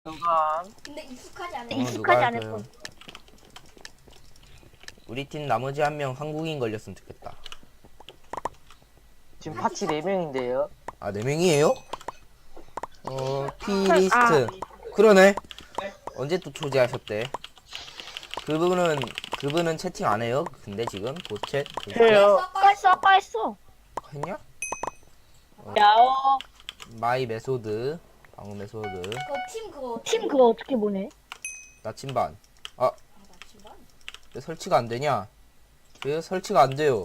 누가 근데 익숙하지 않아. 익숙하지 않을 누가 뿐. 우리 팀 나머지 한 명 한국인 걸렸으면 좋겠다. 지금 파티 4명인데요. 아, 4명이에요? 피리스트. 그러네. 언제 또 초대하셨대? 그분은 채팅 안 해요? 근데 지금 보챗 그래요. 아까 했어. 했냐? 야오. 마이 메소드, 방어 메소드, 팀 그거 어떻게 보내? 나침반. 아, 나침반? 왜 설치가 안 되냐? 왜 설치가 안 돼요?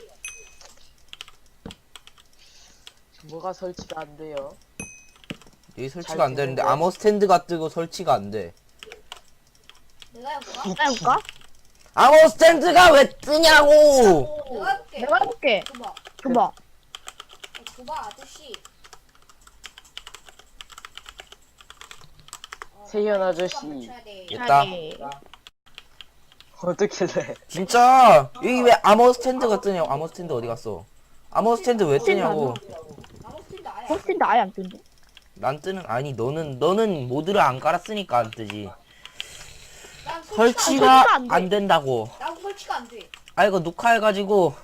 뭐가 설치가 안 돼요? 여기 설치가 잘 안 되는데 되는데. 아머 스탠드가 뜨고 설치가 안 돼. 내가 해볼까? 내가 해볼까? 아머 스탠드가 왜 뜨냐고! 내가 해볼게. 내가 해볼게. 줘봐. 줘봐. 줘봐 아저씨. 세현 아저씨. 붙여야 돼. 됐다. 자기. 어떻게 돼? 진짜 여기 왜 아머 스탠드가 뜨냐고. 아머 스탠드 어디 갔어? 아머 스탠드 왜 뜨냐고. 아무 스틸도 아예. 포스트인데 아예 안 뜬대. 난 뜨는 아니 너는 모드를 안 깔았으니까 안 뜨지. 난 설치가 설치가 안 돼. 안 된다고. 난 설치가 안 돼. 아 이거 녹화해가지고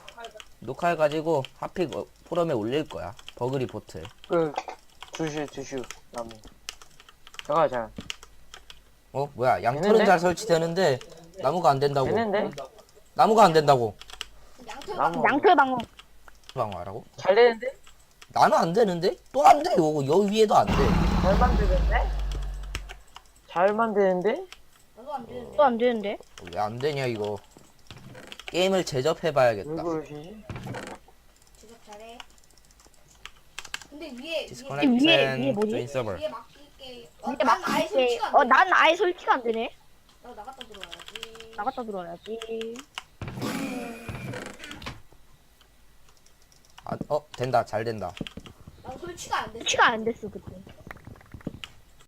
하필 포럼에 올릴 거야. 버그 리포트. 주슈 나무. 잠깐. 뭐야 양털은 되는데? 잘 설치되는데 나무가 안 된다고. 되는데? 나무가 안 된다고. 양털 나무. 양털 방어. 방어하라고? 잘 되는데? 나는 안 되는데? 또 안 돼. 여기 위에도 안 돼. 잘 만드는데? 잘 만드는데? 나도 안 되는데. 또 안 되는데? 왜 안 되냐 이거. 게임을 제접해봐야겠다. 왜 그러시지? 제작 잘해. 근데 위에 디스커넥션 뭐지? 조인 서버. 위에 맡길게. 근데 난 막 아예 이게 설치가 안 돼. 난 아예 설치가 안 되네. 나 나갔다 들어와야지. 나갔다 들어와야지. 된다. 잘 된다. 나 설치가 안 돼. 설치가 안 됐어 그때.